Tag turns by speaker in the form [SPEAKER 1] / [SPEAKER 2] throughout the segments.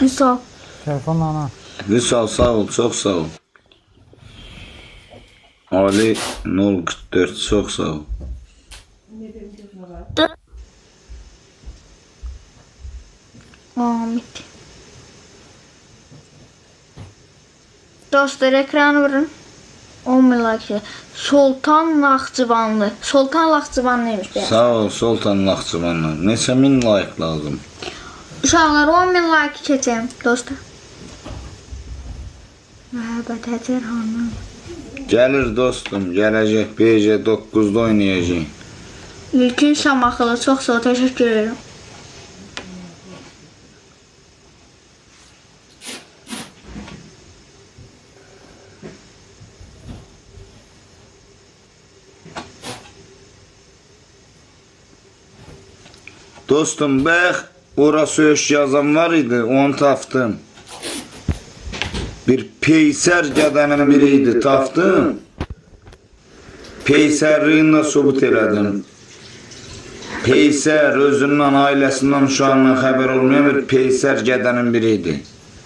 [SPEAKER 1] Misal.
[SPEAKER 2] Telefon ana.
[SPEAKER 3] Vüsal sağ ol, çok sağ ol. Ali 044 çok sağ ol.
[SPEAKER 1] Ahmet. Dostlar ekranı vurun. 10 bin like. Sultan Naxçıvanlı. Sultan Naxçıvanlıymış be.
[SPEAKER 3] Sağ ol Sultan Naxçıvanlı. Neçə min like lazım?
[SPEAKER 1] Uşaqlar 10 bin like keçəm dostlar. Məhəbbət Həcər xanım.
[SPEAKER 3] Gəlir dostum, gələcək BC 9'da oynayacaq.
[SPEAKER 1] İlkin Şamaxılı çox sağ ol, təşəkkür edirəm.
[SPEAKER 3] Dostum bax, ora söz yazan var idi, onu tapdım. Bir Peyser qədənin biri idi, tapdım. Peysərliyini də subut elədim. Peyser özündən, ailəsindən, uşağından xəbər olmayan bir Peyser qədənin biri idi.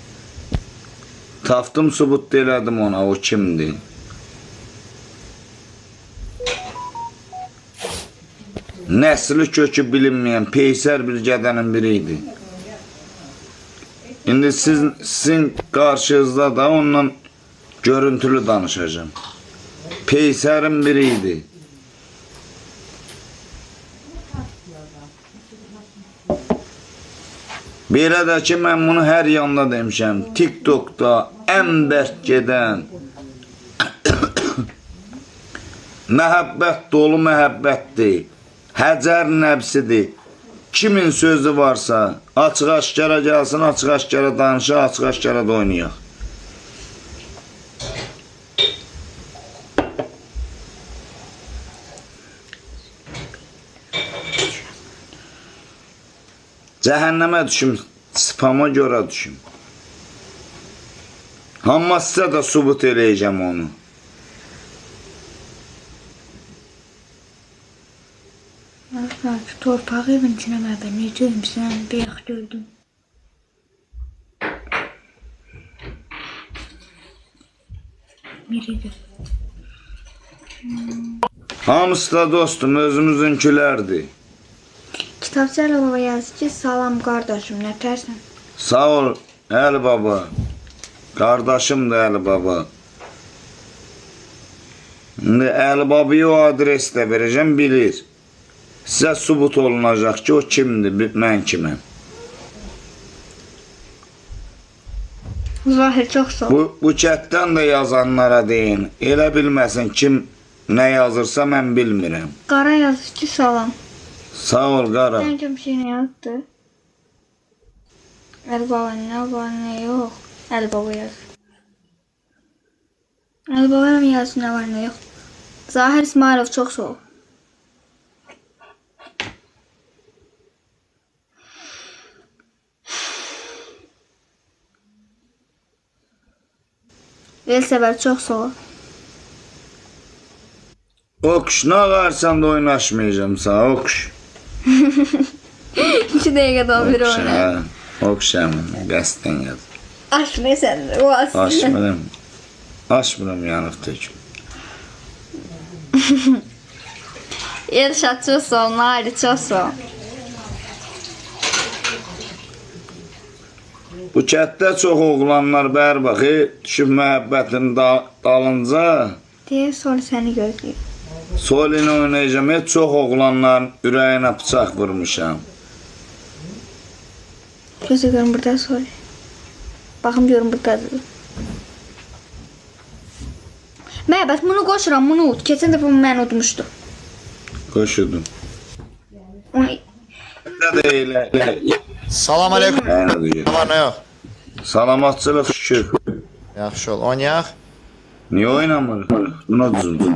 [SPEAKER 3] Tapdım, subut elədim ona, o kimdir? Nəsli kökü bilinməyən Peyser bir qədənin biri idi. İndi sizin qarşınızda da ondan görüntülü danışacağım. Peyser'in biriydi. Belə də ki, mən bunu hər yanda demişəm. TikTok'da ən bərk gedən məhəbbət dolu məhəbbətdir. Həcər nəbsidir. Kimin sözü varsa açıq-aşkara gəlsin, açıq-aşkara danışa, açıq-aşkara da oynayaq. Cəhənnəmə düşüm, spama görə düşüm. Amma sizə də subut eləyəcəm onu.
[SPEAKER 1] Torpağı evin içine ben necəyim sən beyaq gördüm. Biridir.
[SPEAKER 3] Hamısı da dostum özümüzünkilərdir.
[SPEAKER 1] Kitabçayla baba yazdı ki salam kardeşim ne tersen.
[SPEAKER 3] Sağ ol Əli baba. Qardaşım da Əli baba. İndi Əli babaya o adres də verəcəm, bilir. Sizə subut olunacaq ki, o kimdir, mən kiməm.
[SPEAKER 1] Zahir çok sağ ol.
[SPEAKER 3] Bu chatdən də yazanlara deyin. Elə bilməsin kim nə yazırsa mən bilmirəm.
[SPEAKER 1] Qara yazdı ki salam.
[SPEAKER 3] Sağ ol qara.
[SPEAKER 1] Bence bir şey ne yazdı? El baba ne var ne yok. El baba yaz. El baba mı yazdı ne var ne yok. Zahir İsmailov çok sağ ol. Elsever çok sağ ol.
[SPEAKER 3] Okuş, nə ağarsan da oynaşmayacağım sağ, okuş.
[SPEAKER 1] 2 dakikada bir oynar.
[SPEAKER 3] Okuş həmin, qəsdən yaz.
[SPEAKER 1] Açma sen de o aslında.
[SPEAKER 3] Açmıram. Açmıram yanıq töküm.
[SPEAKER 1] Elşat çok sağ ol. Nari çok sağ ol.
[SPEAKER 3] Bu kətdə çox oğlanlar bər baxı, düşüb məhəbbətin dalınca
[SPEAKER 1] Diye sonra seni gözlüyor.
[SPEAKER 3] solini oynayacağım. Heç çox oğlanların ürəyinə bıçaq vurmuşam.
[SPEAKER 1] Gözü görün burada sonra. Bakın diyorum burada. Məhəbbət bunu qoşuram, bunu ut. Keçən dəfə bunu mən utmuşdum.
[SPEAKER 3] Qoşudum.
[SPEAKER 1] Onu
[SPEAKER 3] Nə də elə.
[SPEAKER 4] Salam aleyküm. Ne var ne yok?
[SPEAKER 3] Salamatçılıq şükür.
[SPEAKER 4] Yaxşı ol. Oynayaq.
[SPEAKER 3] Niyə oynamır? Buna düzüldü.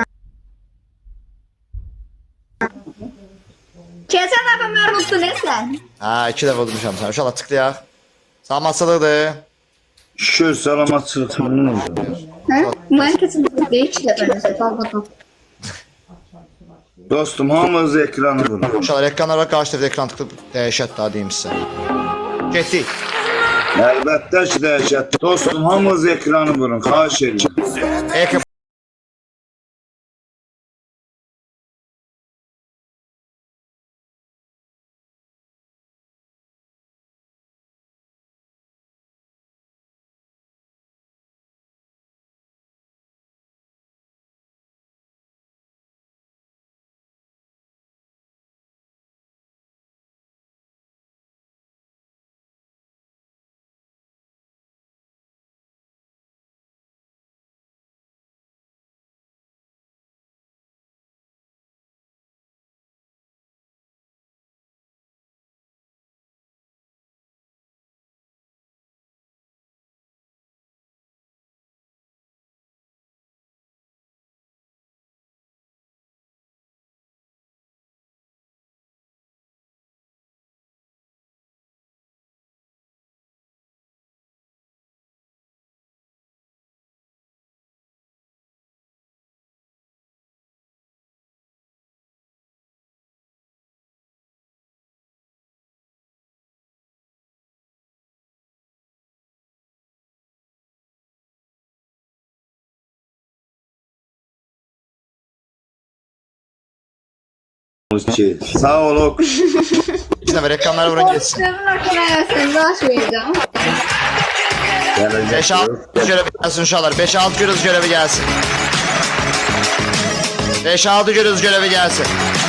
[SPEAKER 1] Keçən dəfə mən utdun sən.
[SPEAKER 4] Ha 2 dəfə udmuşam sən. İnşallah tıklayaq. Salamatçılıqdır.
[SPEAKER 3] Şükür salamatçılıq məmnun oldum.
[SPEAKER 1] Hə? Mən keçən dəfə 2 dəfə nəsə qalmadım.
[SPEAKER 3] Dostum hamınız ekranı vurun.
[SPEAKER 4] İnşallah ekranlara qarşı tərəfdə ekran tıklıb dəyişət daha deyim sizə. Getdik.
[SPEAKER 3] Əlbəttə ki, dəhşət. Dostum, hamınız ekranı vurun, xahiş edirəm.
[SPEAKER 4] Ekran
[SPEAKER 3] Sağ ol.
[SPEAKER 4] İki nəfər ekranları vurun geçsin.
[SPEAKER 1] Sövün arkadaşlarında açmayacağım.
[SPEAKER 4] 5-6 görevi gelsin uşaqlar. 5-6 görüz görevi gelsin. 5-6 görüz görevi gelsin.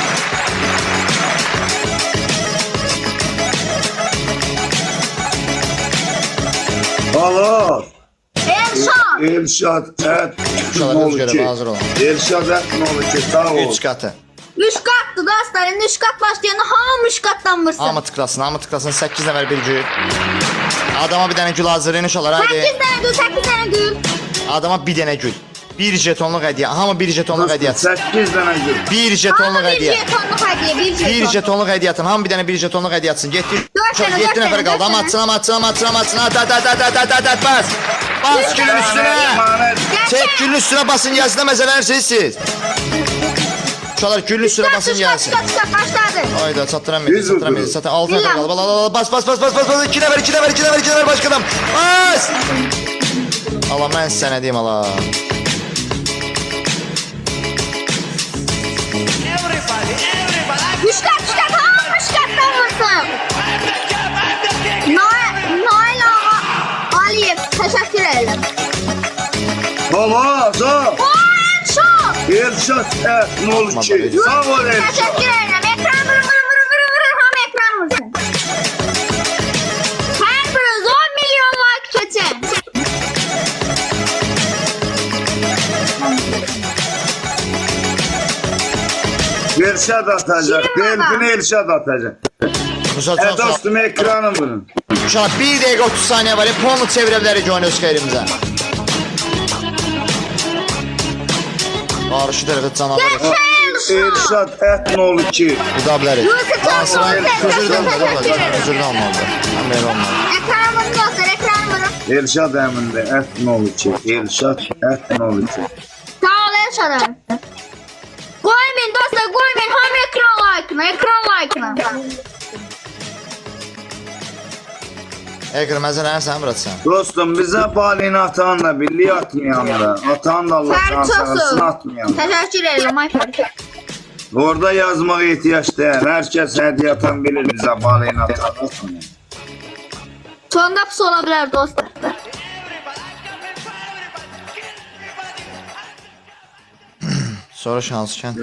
[SPEAKER 3] Alo.
[SPEAKER 1] Elşan.
[SPEAKER 3] Elşad ət
[SPEAKER 4] Uşaqlar öz görevi hazır olun.
[SPEAKER 3] Elşad ət nə olur ki, sağ ol.
[SPEAKER 4] 3 katı.
[SPEAKER 1] 3 katlı dostlar. İndi 3 kat başlayanda hamı 3 katdan vursun.
[SPEAKER 4] Hamı tıklasın. 8 nəfər bir gül. Adama bir dənə gül hazırlayın uşaqlar.
[SPEAKER 1] 8
[SPEAKER 4] Haydi.
[SPEAKER 1] tane gül, 8 tane gül.
[SPEAKER 4] Adama bir dənə gül. 1 jetonluq hədiyyə. Hamı 1 jetonluq hədiyyə atsın.
[SPEAKER 3] 8 dənə gül.
[SPEAKER 4] 1 jetonluq
[SPEAKER 1] Hamı bir
[SPEAKER 4] hədiyyə.
[SPEAKER 1] jetonluk hediye, bir
[SPEAKER 4] 1
[SPEAKER 1] jeton.
[SPEAKER 4] jetonluq hədiyyə atın. Hamı bir dənə 1 jetonluq hədiyyə atsın. 7
[SPEAKER 1] Dört dənə,
[SPEAKER 4] 7 nəfər
[SPEAKER 1] dört
[SPEAKER 4] qaldı.
[SPEAKER 1] dənə.
[SPEAKER 4] Amma atsın. At. Bas. Bas gülün üstünə. Çek gülün üstünə basın gəlsin də məzələnirsiniz siz. Uşaqlar gülün üstünə basın gəlsin.
[SPEAKER 1] Çıkart başladı.
[SPEAKER 4] Hayda çattıramayız. Zaten 6 nəfər
[SPEAKER 1] Bilal.
[SPEAKER 4] qaldı. Bas. 2 nəfər başqa adam. Bas. Allah mən sənə deyim Allah.
[SPEAKER 1] Üç kat hamı 3 kattan vursun. Nail Ağa Aliyev teşekkür ederim.
[SPEAKER 3] Baba, sağ ol.
[SPEAKER 1] O Elşan.
[SPEAKER 3] Elşad ət nə olur ki, sağ ol Elşad.
[SPEAKER 1] Teşekkür ederim. Ekran vurun. Ham ekran vursun. Her biriniz 10 milyon like geçin.
[SPEAKER 3] Elşad atacaq, Delfin Elşad atacaq. Dostum, ekranı vurun.
[SPEAKER 4] Uşaq 1 dəqiqə 30 saniyə var. Ponu çevirə bilərik oyunu öz xeyrimizə. Qarşı tərəfə canavar yox.
[SPEAKER 3] Elşad ət nə olur ki,
[SPEAKER 4] Uda bilərik.
[SPEAKER 1] Yusuf
[SPEAKER 4] Dansıran özürdən
[SPEAKER 1] teşekkür ederim.
[SPEAKER 4] özürdən olmalıdır. Mən belə olmalı.
[SPEAKER 1] Ekran vurun dostlar, ekran vurun.
[SPEAKER 3] Elşad əmində ət nə olur ki, Elşad ət nə olur ki.
[SPEAKER 1] Sağ ol Elşan'ım. Koymayın dostlar, koymayın. Ham ekran like'ına.
[SPEAKER 4] Ekran məzələni sən bıraksan.
[SPEAKER 3] Dostum, bizə balini atan da birliği atmayan da, atan da Allah
[SPEAKER 1] Sen
[SPEAKER 3] şansını
[SPEAKER 1] çoxsun.
[SPEAKER 3] atmayan da.
[SPEAKER 1] Teşekkür ederim.
[SPEAKER 3] Orada yazmağa ihtiyaç deyil. Herkes hediye atan bilir bizə balini atan atmayan.
[SPEAKER 1] Sonda pis olabilir dostlar.
[SPEAKER 4] Sonra şanskən.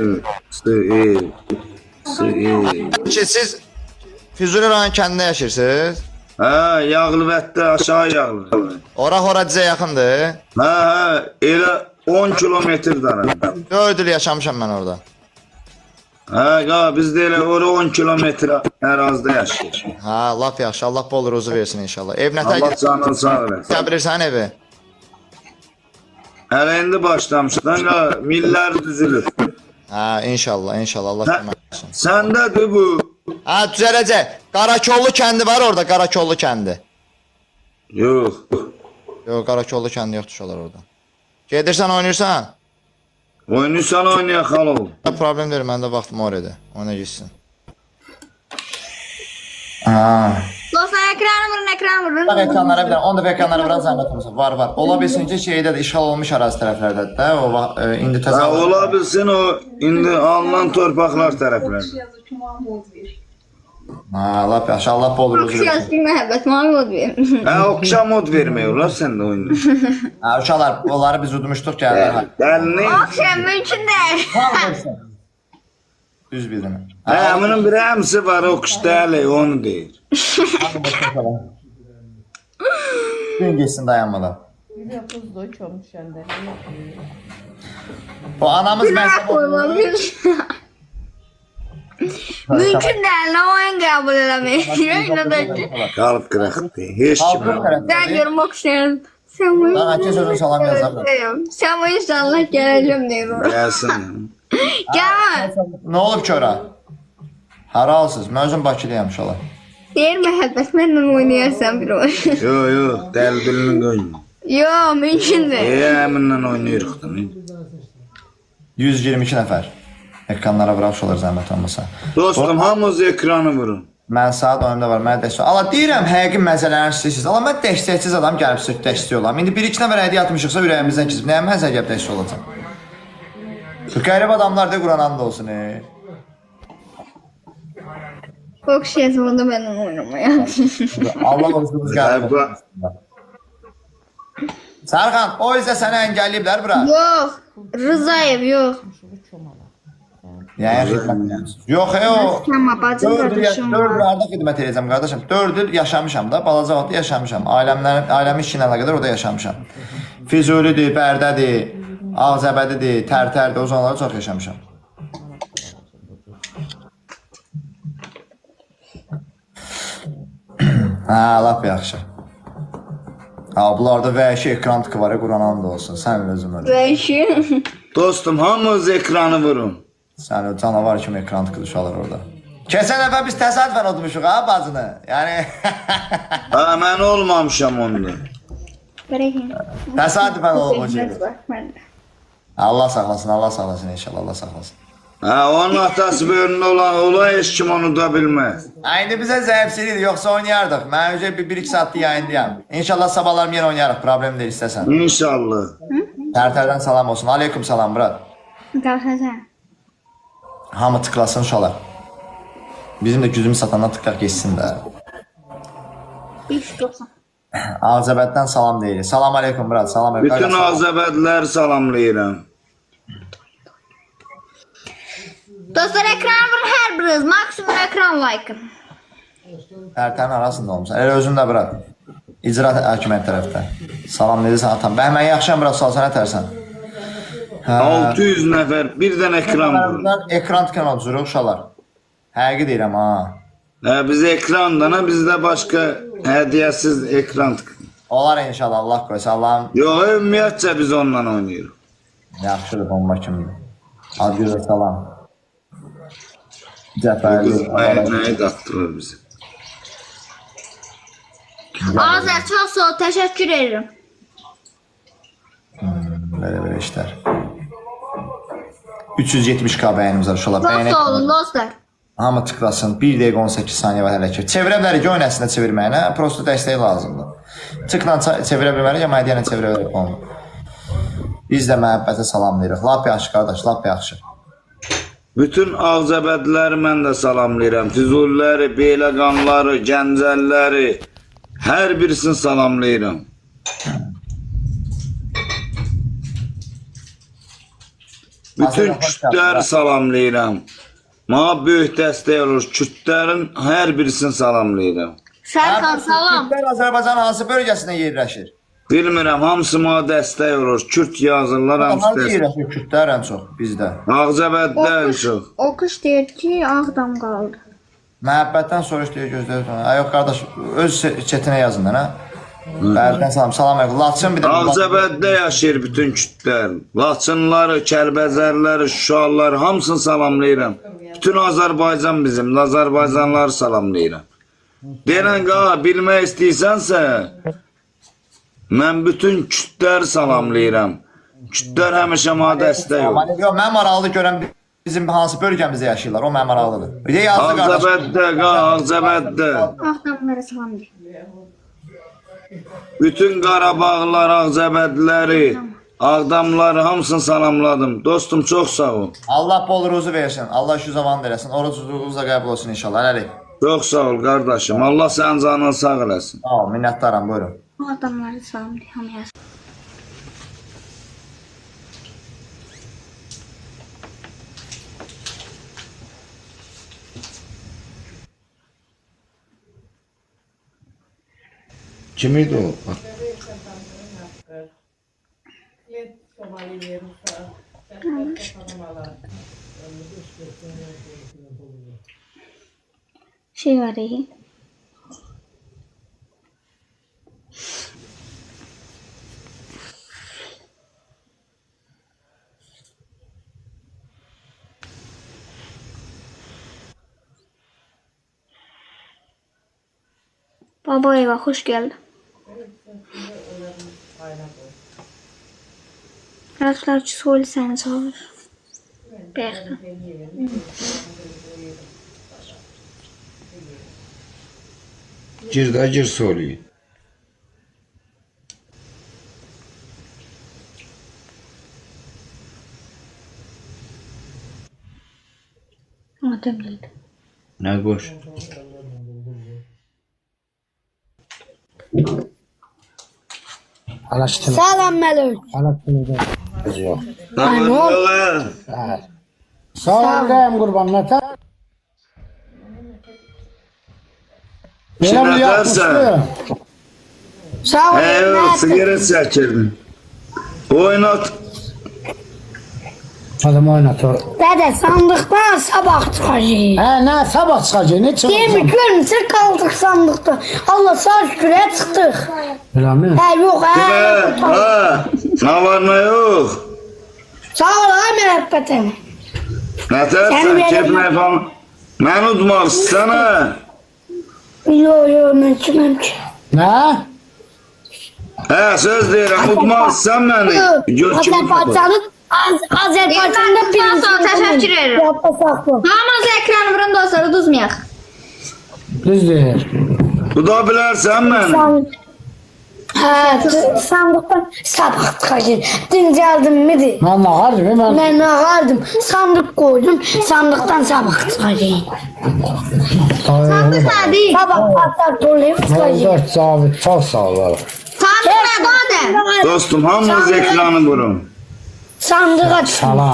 [SPEAKER 4] Siz Füzuli rayon kəndində yaşayırsınız?
[SPEAKER 3] Hə, Yağlıbətdə aşağı Yağlıbət.
[SPEAKER 4] Ora dizə yaxındır.
[SPEAKER 3] Hə, elə 10 kilometr daram.
[SPEAKER 4] 4 il yaşamışam mən orada.
[SPEAKER 3] Hə, biz də elə ora 10 kilometr ərazidə yaşayırıq.
[SPEAKER 4] Ha, lap yaxşı. Allah bol ruzu versin inşallah. Ev nə
[SPEAKER 3] Allah
[SPEAKER 4] tək?
[SPEAKER 3] canını sağ eləsin.
[SPEAKER 4] Sən bilirsən evi?
[SPEAKER 3] Hələ indi başlamışdan, millər düzülür.
[SPEAKER 4] Ha, inşallah Allah kömək etsin.
[SPEAKER 3] Səndədir bu.
[SPEAKER 4] Ha, düzələcək. Qarakollu kəndi var orada, Qarakollu kəndi.
[SPEAKER 3] Yox.
[SPEAKER 4] Yox, Qarakollu kəndi yoxdur uşaqlar orada. Gedirsən, oynayırsan?
[SPEAKER 3] Oynayırsan oynaya xalov.
[SPEAKER 4] Problem deyil, məndə vaxtım var idi. Oyna gitsin. Ha.
[SPEAKER 1] Dostlar ekranı vurun.
[SPEAKER 4] Bak ekranlara bir dənə, 10 dəfə ekranlara vuran zəhmət olmasa. Var. Ola bilsin ki, şeydə də işğal olmuş ərazi tərəflərdədir də. O indi
[SPEAKER 3] Ha,
[SPEAKER 4] təzə.
[SPEAKER 3] ola bilsin o indi alınan torpaqlar tərəflərində.
[SPEAKER 4] Ha, lap yaxşı. Allah bol ruzu versin.
[SPEAKER 1] Siyasi məhəbbət, mavi od verin.
[SPEAKER 3] Ha, oxşam mod vermiyorlar sən də oyunu.
[SPEAKER 4] Ha, uşaqlar, onları biz udmuşduq gəldi.
[SPEAKER 3] Dəlini.
[SPEAKER 1] Akşam mümkün deyil.
[SPEAKER 4] Düz bildin.
[SPEAKER 3] Ha, bunun bir əmsi var, o kuş dəli, onu deyir.
[SPEAKER 4] Gün geçsin dayanmadan. Bu anamız
[SPEAKER 1] Günah koymam. Mümkün deyil, nə oyun qəbul eləmək.
[SPEAKER 3] Qalıb qıraqdı. Heç kim.
[SPEAKER 1] Mən görüm oxşayın. Sən bu
[SPEAKER 4] Daha ki sözün salam yazar.
[SPEAKER 1] Sən bu inşallah gələcəm deyir ora.
[SPEAKER 3] Gəlsin.
[SPEAKER 1] Gəl.
[SPEAKER 4] Ne olub ki ora? Haralsız. Mən özüm Bakılıyam uşaqlar.
[SPEAKER 1] Deyir məhəbbət, mənlə oynayarsan bir oyun.
[SPEAKER 3] Yo, dəli dilini qoyma.
[SPEAKER 1] Yo, mümkün deyil.
[SPEAKER 3] Əminlə oynayırıq da.
[SPEAKER 4] 122 nəfər. Ekranlara vuraq uşaqlar zəhmət olmasa.
[SPEAKER 3] Dostum, hamınız ekranı vurun.
[SPEAKER 4] Mən saat oyunda var, mənə dəstək. Allah deyirəm, həqiqi məzələrini istəyirsiniz. Allah mən dəstəksiz adam gəlib sizə dəstək olam. İndi 1-2 nəfər hədiyyə atmışıqsa ürəyimizdən keçib. Nəyə mən sizə gəlib dəstək olacam? Qərib adamlar da Quran and olsun.
[SPEAKER 1] Oxşayasın onda mənlə oynamaya.
[SPEAKER 4] Allah olsunuz gəlib. Sərxan, o izə səni əngəlləyiblər bura.
[SPEAKER 1] Yox, Rızayev yox.
[SPEAKER 4] Yəni xidmət edirəm. Yox, o.
[SPEAKER 1] Tamam, bacım
[SPEAKER 4] 4
[SPEAKER 1] qardaşım var.
[SPEAKER 4] illərdə xidmət edəcəm qardaşım. 4 il yaşamışam da, balaca vaxtda yaşamışam. Ailəmin işi ilə əlaqədar orada yaşamışam. Füzulidir, Bərdədir, Ağzəbədidir, Tərtərdir, o zamanlarda çox yaşamışam. Hə, lap yaxşı. Ha, bunlarda vəhşi ekran tıkı var ya, Quran and olsun. Sən özün öyle.
[SPEAKER 1] Vəhşi.
[SPEAKER 3] Dostum, hamınız ekranı vurun.
[SPEAKER 4] Sən o canavar kimi ekran tıkı uşaqlar orada. Keçən dəfə biz təsadüfən udmuşuq ha bacını. Yəni
[SPEAKER 3] Ha, mən olmamışam onda.
[SPEAKER 4] təsadüfən olub o şey. Allah saxlasın, Allah saxlasın inşallah, Allah saxlasın.
[SPEAKER 3] Ha, onun atası böyründə olan olay heç kim onu da bilməz.
[SPEAKER 4] İndi bizə zəifçilikdir, yoxsa oynayardıq. Mən önce 1-2 saatlik yayındayam. İnşallah sabahlarım yenə oynayarıq, problem deyil istəsən.
[SPEAKER 3] İnşallah.
[SPEAKER 4] Tərtərdən salam olsun. Aleyküm salam, brat.
[SPEAKER 1] Qalxacaq.
[SPEAKER 4] Hamı tıklasın uşaqlar. Bizim də gücümüz satandan tıklaq geçsin də.
[SPEAKER 1] 3.90.
[SPEAKER 4] Ağzəbəddən salam deyirik. Salam aleyküm, brat. Salam aleyküm.
[SPEAKER 3] Bütün Azəbədləri salamlayıram.
[SPEAKER 1] Dostlar ekran vurun hər biriniz. Maksimum ekran like.
[SPEAKER 4] Tərtərin arasında olmuşsan. Elə özün də brat. İcra hakimiyyət tərəfdə. Salam nedirsən atam. Bəhmən yaxşıyam, brat. Salsan ətərsən.
[SPEAKER 3] 600 nəfər birdən ekran vurun.
[SPEAKER 4] Ekran tıkan oturuq uşaqlar. Həqiqi deyirəm ha.
[SPEAKER 3] Biz ekrandan, bizdə başqa hədiyyəsiz ekran tıkın.
[SPEAKER 4] Olar inşallah, Allah qoysa Allah'ım.
[SPEAKER 3] Yox, ümumiyyətcə biz onunla oynayırıq.
[SPEAKER 4] Yaxşıdır, bomba kimidir. Adgözə salam. Cəfərli.
[SPEAKER 3] Nəyi qatdırır bizi?
[SPEAKER 1] Azər çox sağ ol. Təşəkkür ederim.
[SPEAKER 4] Belə işlər. 370k bəyənimiz var uşaqlar.
[SPEAKER 1] Çox sağ olun dostlar.
[SPEAKER 4] Hamı tıklasın. 1 dəqiqə 18 saniyə var hələ ki. Çevirə bilərik oyun əslində çevirməyinə. Prosto dəstək lazımdır. Tıkla çevirə bilmərik, amma hədiyyəni çevirə bilərik onu. Biz də məhəbbətə salamlayırıq. Lap yaxşı qardaş, lap yaxşı.
[SPEAKER 3] Bütün Ağzəbədləri mən də salamlayıram. Füzuliləri, Beyləqanları, Gəncəlləri, hər birisini salamlayıram. Bütün kütləri salamlayıram. Mənə böyük dəstək olur. Kütlərin hər birisini salamlayıram.
[SPEAKER 1] Sərxan salam.
[SPEAKER 4] Kürtlər Azərbaycanın hansı bölgəsində yerləşir?
[SPEAKER 3] Bilmirəm, hamısı mənə dəstək olur. Kürt yazırlar, hamısı
[SPEAKER 4] Hansı
[SPEAKER 3] dəstək.
[SPEAKER 4] yerləşir Kürtlər ən çox bizdə?
[SPEAKER 3] Ağzəbəddə ən çox.
[SPEAKER 1] Oxuş deyir ki, Ağdam qaldı.
[SPEAKER 4] Məhəbbətdən soruş deyə gözləyir. Yox qardaş, öz çətinə yazın da, nə? Bərdən salam, salam əleykum. Laçın bir də
[SPEAKER 3] Ağzəbəddə yaşayır bütün kütlər. Laçınları, Kəlbəzərləri, Şuşalıları hamısını salamlayıram. Bütün Azərbaycan bizim, Azərbaycanları salamlayıram. Deyən qağa, bilmək istəyirsənsə, mən bütün kütləri salamlayıram. Kütlər həmişə mənə dəstək olur.
[SPEAKER 4] Yox, mən maraqlı görən bizim hansı bölgəmizdə yaşayırlar, o mənim maraqlıdır. Bir də yazdı qardaş.
[SPEAKER 3] Ağzəbəddə, Ağzəbəddə.
[SPEAKER 1] Ağdamlara salam deyir.
[SPEAKER 3] Bütün Qarabağlılar, Ağzəbədliləri, Ağdamları hamısını salamladım. Dostum, çox sağ ol.
[SPEAKER 4] Allah bol ruzu versin. Allah şu zamanı versin. Orucunuz da qəbul olsun inşallah. Hələlik.
[SPEAKER 3] Çox sağ ol qardaşım. Allah sənin canını sağ eləsin.
[SPEAKER 4] Sağ ol, minnətdaram. Buyurun.
[SPEAKER 1] Ağdamlara salam deyir. Hamıya
[SPEAKER 3] Kim idi o?
[SPEAKER 1] şey var iyi. Baba eyvah, hoş geldin. Arkadaşlar söyle seni çağır. Bekle.
[SPEAKER 3] Gir də, gir soruyu.
[SPEAKER 1] Adam geldi.
[SPEAKER 3] Nə boş?
[SPEAKER 2] Salam Melek.
[SPEAKER 3] Yox.
[SPEAKER 2] Salam deyim qurban nətə? Belə mi yapmışdı? Sağ ol.
[SPEAKER 3] Evet, sigara çəkirdim. Oynat.
[SPEAKER 2] Adam oynatır.
[SPEAKER 5] Dede sandıktan sabah çıkacağız.
[SPEAKER 2] Nə sabah çıxacaq, ne çıxacaq?
[SPEAKER 5] Yemin görmüşsün kaldık sandıkta. Allah sağ şükür çıktık.
[SPEAKER 2] Elə mi?
[SPEAKER 5] Yok
[SPEAKER 3] Ha, nə var nə yox?
[SPEAKER 5] Sağ ol ay müebbetim.
[SPEAKER 3] Nə tərsən, keyfmək falan. Mən udmaq istənə.
[SPEAKER 5] Yok ben çıkmam ki.
[SPEAKER 2] Nə?
[SPEAKER 3] Hə, söz deyirəm, udmaq istən məni.
[SPEAKER 5] Azerbaycan'ın Azerbaycan'da birinci.
[SPEAKER 1] Teşekkür ederim.
[SPEAKER 5] Yapma saklı.
[SPEAKER 1] Hamaz ekranı vurun dostları duzmayak.
[SPEAKER 2] Düz deyir.
[SPEAKER 3] Uda bilərsən məni.
[SPEAKER 5] Sandıktan sabah çıkacağız. Dün geldim miydi?
[SPEAKER 2] Mən nağardım, mən...
[SPEAKER 5] Ben ağardım. Sandık koydum. Sandıktan sabah çıkacağız.
[SPEAKER 1] Sandık nedir?
[SPEAKER 5] Sabah patlar dolayıp çıkacağız.
[SPEAKER 2] Dört zabit, çox sağ ol.
[SPEAKER 1] Sandık nedir Adem?
[SPEAKER 3] Dostum, hamınız ekranı vurun.
[SPEAKER 5] Sandık aç.
[SPEAKER 2] Salam.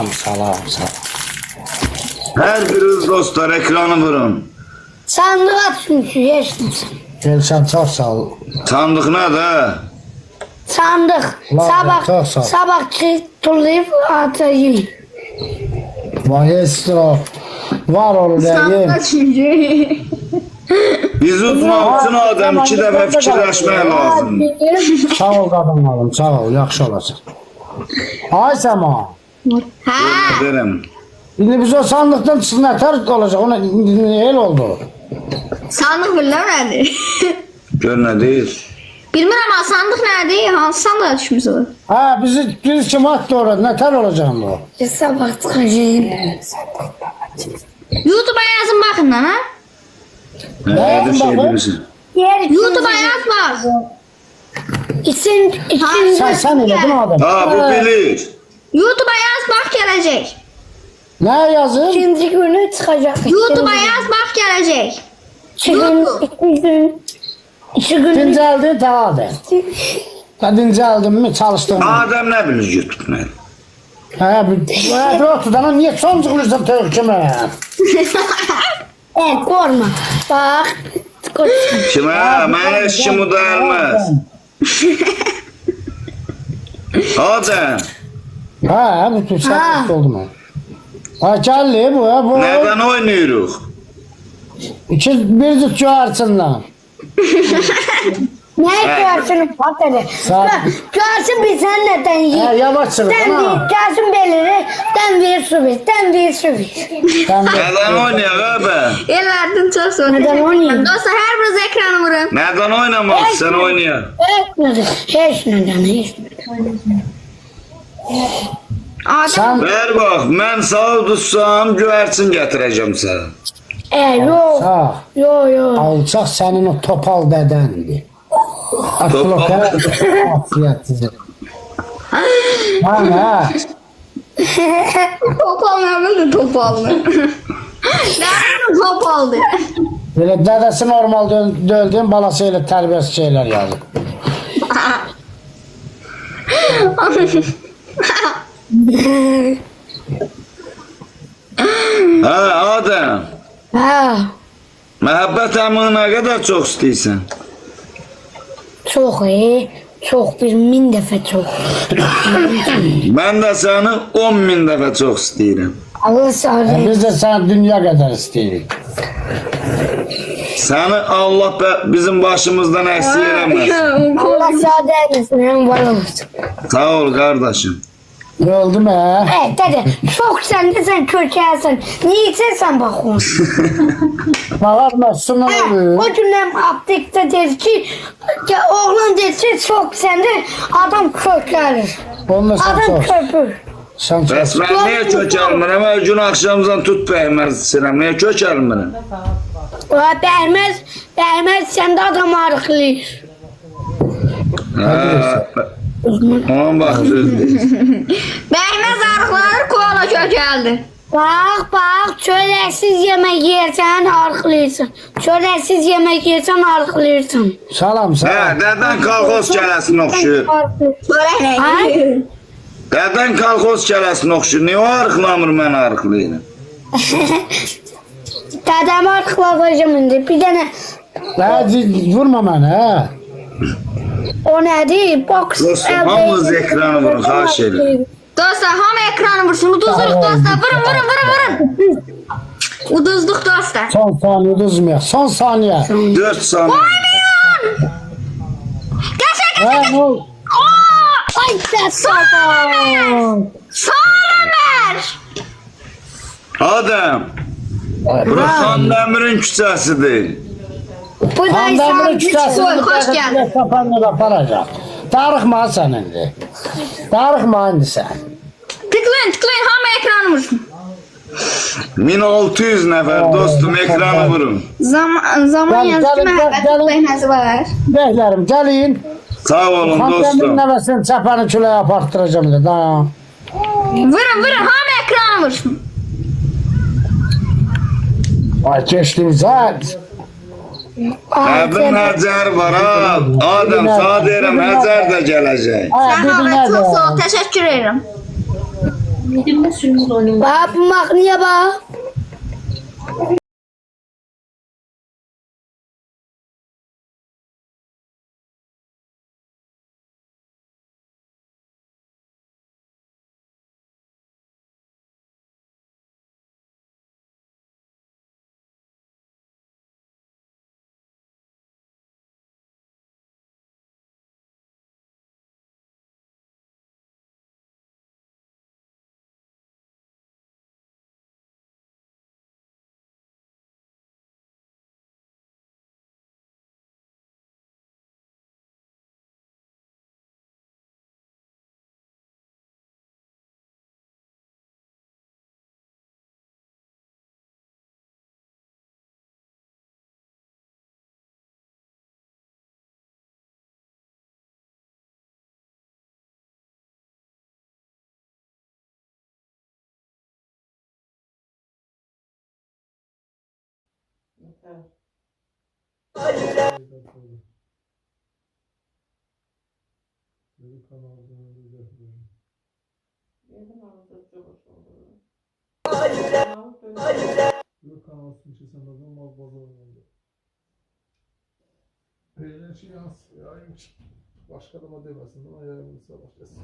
[SPEAKER 3] Hər biriniz dostlar ekranı vurun.
[SPEAKER 5] Sandık aç çünkü yaşlısın.
[SPEAKER 2] Gelsən, çox sağ ol.
[SPEAKER 3] Sandıq nədir?
[SPEAKER 5] Sandık.
[SPEAKER 2] Lan, çok sağ ol.
[SPEAKER 5] Sabah tullayıp atayım.
[SPEAKER 2] Vay estro. Var olur deyim.
[SPEAKER 1] çünkü.
[SPEAKER 3] Bizi utmaq üçün adam 2 dəfə fikirləşmək lazımdır.
[SPEAKER 2] Sağ ol qadınlarım, sağ ol, yaxşı olacaq. Ay Səma,
[SPEAKER 1] Ha.
[SPEAKER 3] Deyirəm.
[SPEAKER 2] indi biz o sandıqdan çıxın nətər olacaq, ona el oldu.
[SPEAKER 1] Sandık bilmem nedir?
[SPEAKER 3] Gör nə deyir?
[SPEAKER 1] Bilmem ama sandık nedir? Hansı sandığa düşmüş olur?
[SPEAKER 2] Ha, bizi kim attı orada, nətər olacaq bu?
[SPEAKER 5] Sabah çıkacağım.
[SPEAKER 1] YouTube'a yazın bakın lan ha.
[SPEAKER 3] Nə şey bilirsin?
[SPEAKER 1] YouTube'a yaz bak.
[SPEAKER 5] İkinci
[SPEAKER 2] Sən elədin o adam.
[SPEAKER 3] Ha, bu bilir.
[SPEAKER 1] YouTube'a yaz bak gelecek.
[SPEAKER 2] Nə yazır?
[SPEAKER 5] ikinci günü çıkacak.
[SPEAKER 1] YouTube'a yaz bak gelecek.
[SPEAKER 5] İki gün.
[SPEAKER 2] Dincəldi, dağıldı. Dincəldin mi, çalışdın mı?
[SPEAKER 3] Adam nə bilir YouTube nə?
[SPEAKER 2] Bir otudan, niyə son çıxırsan tövk kimi?
[SPEAKER 5] Korkma. Bak.
[SPEAKER 3] Kimə? Mənə heç kim udayılmaz. Adam,
[SPEAKER 2] Ha, bu səhət oldu mu? Ha, gəlli bu, bu.
[SPEAKER 3] nədən oynayırıq?
[SPEAKER 2] Bir cüt çağırsınlar.
[SPEAKER 5] Ne görsün patladı. Görsün bir sen neden yiyin.
[SPEAKER 2] Yavaş çıkın ha.
[SPEAKER 5] Görsün belirli. Den bir su bir. Den bir su bir.
[SPEAKER 3] Nədən oynayaq abi?
[SPEAKER 1] Ellerden çok sonra.
[SPEAKER 5] Neden oynayayım?
[SPEAKER 1] Dostlar her biriniz ekranı vurun.
[SPEAKER 3] Nədən oynamaq istən oynayaq?
[SPEAKER 5] Hiç neden. Hiç neden.
[SPEAKER 1] Adem.
[SPEAKER 2] Sen
[SPEAKER 3] Ver bax, mən sağ tutsam göyərçin gətirəcəm sənə.
[SPEAKER 5] Yok.
[SPEAKER 2] sağ.
[SPEAKER 5] Yok yok.
[SPEAKER 2] Alçaq sənin o topal dədəndir. Aklokə afiyətsiz. Ha.
[SPEAKER 1] Topal ne bildi topal mı? Nerede topaldı?
[SPEAKER 2] Belə dədəsi normal döldüyün balası ilə tərbiyəsiz şeylər yazır.
[SPEAKER 3] Hə, Adəm.
[SPEAKER 5] Ha.
[SPEAKER 3] Məhəbbət əmini nə qədər çox istəyirsən?
[SPEAKER 5] Çok iyi. Çok bir 1000 defa çok.
[SPEAKER 3] Mən də səni 10.000 dəfə çox istəyirəm.
[SPEAKER 5] Allah sağ olsun.
[SPEAKER 2] Biz də səni dünya qədər istəyirik.
[SPEAKER 3] Səni Allah bizim başımızdan əksik eləməsin.
[SPEAKER 5] Allah sağ olsun. Hem var olsun.
[SPEAKER 3] Sağ ol qardaşım.
[SPEAKER 2] Öldü mü?
[SPEAKER 5] Evet dede. Çok sen de sen kökersin. Niye sen bakıyorsun?
[SPEAKER 2] Bağırma, sınır olur.
[SPEAKER 5] O günden aptekte dedi ki oğlan dedi ki çok sende adam kökerir.
[SPEAKER 2] Onunla sen
[SPEAKER 5] Adam
[SPEAKER 2] çok.
[SPEAKER 5] köpür.
[SPEAKER 2] Sen çok.
[SPEAKER 3] Bəs mən niyə kökəlmirəm? Hər gün axşamdan tut bəyməz istəyirəm. Niyə kökəlmirəm?
[SPEAKER 5] Değmez sende adam arıqlayır.
[SPEAKER 3] Onun vaxt düzdür.
[SPEAKER 1] Bəyməz arıqları koala kökəldi.
[SPEAKER 5] Bak çöreksiz yemek yersen arıqlayırsan. Çöreksiz yemek yersen arıqlayırsan.
[SPEAKER 2] Salam,
[SPEAKER 3] Hə,
[SPEAKER 2] salam.
[SPEAKER 3] dədən kolxoz kələsinə oxşuyur.
[SPEAKER 1] Börək nə?
[SPEAKER 5] Ay.
[SPEAKER 3] Dədən kolxoz kələsinə oxşuyur. Niyə o arıqlamır, mən arıqlayıram?
[SPEAKER 5] Dedem arıqlayacağım indi. Bir tane
[SPEAKER 2] Vurma məni, hə?
[SPEAKER 5] o nedir? Boks.
[SPEAKER 3] Dostum, hamınız ekranı vurun, xahiş edirəm.
[SPEAKER 1] Dostlar hamı ekranı vursun. Uduzluq dostlar. Vurun. Uduzluq dostlar.
[SPEAKER 2] Son saniye uduzmayaq. Son saniye.
[SPEAKER 3] 4 saniyə.
[SPEAKER 2] Hə, ne oldu?
[SPEAKER 5] Ay sen
[SPEAKER 1] Ömer.
[SPEAKER 3] Adəm, bura Xandəmirin küçəsidir.
[SPEAKER 5] Bu da
[SPEAKER 2] Xandəmirin
[SPEAKER 5] insan
[SPEAKER 1] Hoş
[SPEAKER 2] küçəsində
[SPEAKER 1] geldin.
[SPEAKER 2] tapanla aparacaq. Darıxma sən indi. Darıxma indi sən.
[SPEAKER 1] Tıklayın hamı ekranı vursun.
[SPEAKER 3] 1600 nəfər dostum, ekranı vurun.
[SPEAKER 1] Zaman
[SPEAKER 2] Gel,
[SPEAKER 1] yazdı
[SPEAKER 2] gel,
[SPEAKER 1] məhəbbət
[SPEAKER 2] gel.
[SPEAKER 1] tıklayın var.
[SPEAKER 2] Bəklərim, gəlin.
[SPEAKER 3] Sağ olun
[SPEAKER 2] Xandəmirin
[SPEAKER 3] dostum.
[SPEAKER 2] nəvəsini çəpəni küləyə apartdıracam da.
[SPEAKER 1] Vurun hamı ekranı vursun.
[SPEAKER 2] Ay keçdiniz, hə?
[SPEAKER 3] Həbin Həcər var ha. Adəm, sağ deyirəm, Həcər də gələcək.
[SPEAKER 1] Sağ
[SPEAKER 2] Bir
[SPEAKER 1] olun
[SPEAKER 2] dinə
[SPEAKER 1] çok
[SPEAKER 2] də.
[SPEAKER 1] sağ ol. Teşekkür ederim.
[SPEAKER 5] Bak bu makineye bak.
[SPEAKER 6] Eğlence yayın başka adama demesin ama yayınımıza başlasın.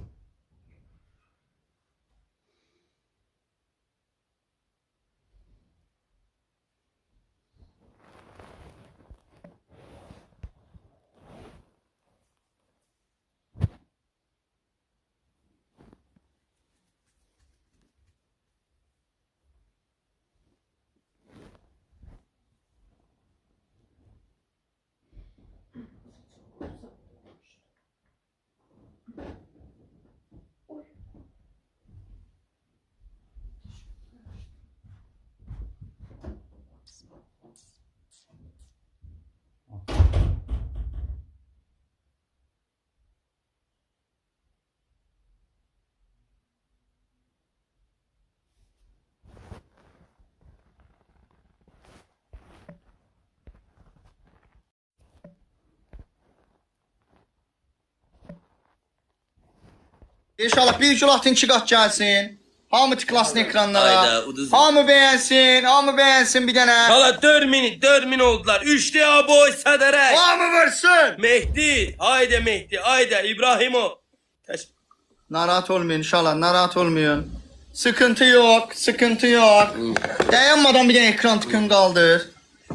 [SPEAKER 4] İnşallah bir gulatin 2 qat gəlsin. Hamı tıklasın ekranlara.
[SPEAKER 7] Hayda, uduz.
[SPEAKER 4] Hamı beğensin bir dənə.
[SPEAKER 7] Hala 4 min oldular. 3'te aboy sadarek.
[SPEAKER 4] Hamı vursun.
[SPEAKER 7] Mehdi. Haydi İbrahimo.
[SPEAKER 4] Narahat olmayın inşallah, narahat olmayın. Sıkıntı yok. Dayanmadan bir dənə ekran tıkın qaldır.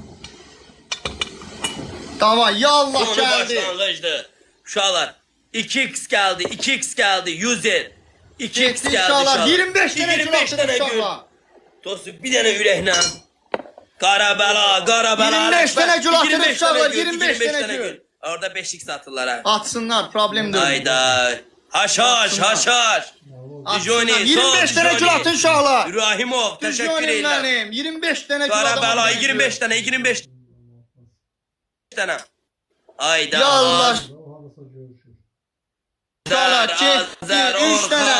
[SPEAKER 4] Davay, yallah
[SPEAKER 7] Sonu
[SPEAKER 4] gəldi.
[SPEAKER 7] başlanğıcdı. Uşaqlar 2x geldi 100'er. 2x
[SPEAKER 4] Getdi
[SPEAKER 7] geldi
[SPEAKER 4] inşallah. 25 dənə
[SPEAKER 7] 25
[SPEAKER 4] gül
[SPEAKER 7] tane gül.
[SPEAKER 4] inşallah.
[SPEAKER 7] Dostu bir tane ürəklə. Qarabela.
[SPEAKER 4] 25 tane gül atır
[SPEAKER 7] 25
[SPEAKER 4] uşaqlar,
[SPEAKER 7] tane gül,
[SPEAKER 4] 25 tane gül.
[SPEAKER 7] Orada 5x atırlar ha.
[SPEAKER 4] Atsınlar, problem değil.
[SPEAKER 7] Hayda. Haşhaş.
[SPEAKER 4] Atsınlar.
[SPEAKER 7] Dijoni,
[SPEAKER 4] 25 tane gül atın uşaqlar.
[SPEAKER 7] İbrahimov, teşekkür
[SPEAKER 4] Dijonim
[SPEAKER 7] ederim.
[SPEAKER 4] benim. 25 tane gül
[SPEAKER 7] Qarabela
[SPEAKER 4] atın.
[SPEAKER 7] 25 tane. Hayda.
[SPEAKER 4] Yallah.
[SPEAKER 6] Olsa görüşürüz.
[SPEAKER 4] Uşaqlar,
[SPEAKER 7] Azər,
[SPEAKER 4] 3 tane.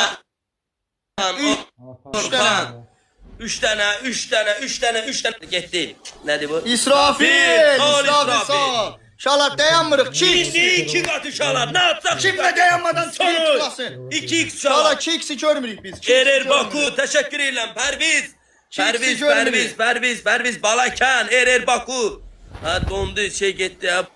[SPEAKER 7] Orxan. 3 tane. Getdi. Nədir bu?
[SPEAKER 4] İsrafil.
[SPEAKER 7] Sağ ol,
[SPEAKER 4] İsrafil sağ ol. Uşaqlar dayanmırıq.
[SPEAKER 7] İndi 2 qat uşaqlar. Ne yapsak?
[SPEAKER 4] Kimle dayanmadan
[SPEAKER 7] Sonu.
[SPEAKER 4] tıklasın.
[SPEAKER 7] 2x
[SPEAKER 4] Uşaqlar
[SPEAKER 7] uşaqlar.
[SPEAKER 4] 2x'i görmürük biz.
[SPEAKER 7] Erer Baku, teşekkür ederim. Perviz Balakan, Erer Baku. Ha dondu şey gitti ya.